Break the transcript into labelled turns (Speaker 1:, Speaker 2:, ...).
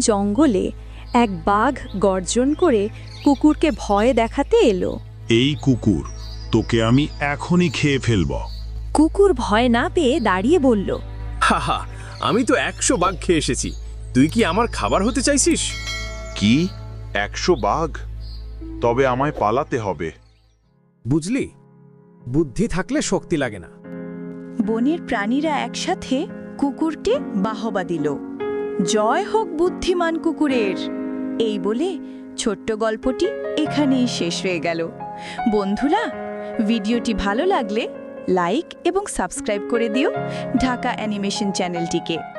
Speaker 1: জঙ্গলে এক বাঘ গর্জন করে কুকুরকে ভয় দেখাতে এলো।
Speaker 2: এই কুকুর, তোকে আমি এখনই খেয়ে ফেলব।
Speaker 1: কুকুর ভয় না পেয়ে দাঁড়িয়ে বলল,
Speaker 3: হাহা, আমি তো 100 বাঘ খেয়ে এসেছি, তুই কি আমার খাবার হতে চাইছিস?
Speaker 2: কি 100 বাঘ? তবে আমায় পালাতে হবে।
Speaker 3: বুঝলি, বুদ্ধি থাকলে শক্তি লাগে না।
Speaker 4: বনের প্রাণীরা একসাথে কুকুরকে বাহবা দিল। জয় হোক বুদ্ধিমান কুকুরের। এই বলে ছোট্ট গল্পটি এখানেই শেষ হয়ে গেল। বন্ধুরা, ভিডিওটি ভালো লাগলে লাইক এবং সাবস্ক্রাইব করে দিও ঢাকা অ্যানিমেশন চ্যানেলটিকে।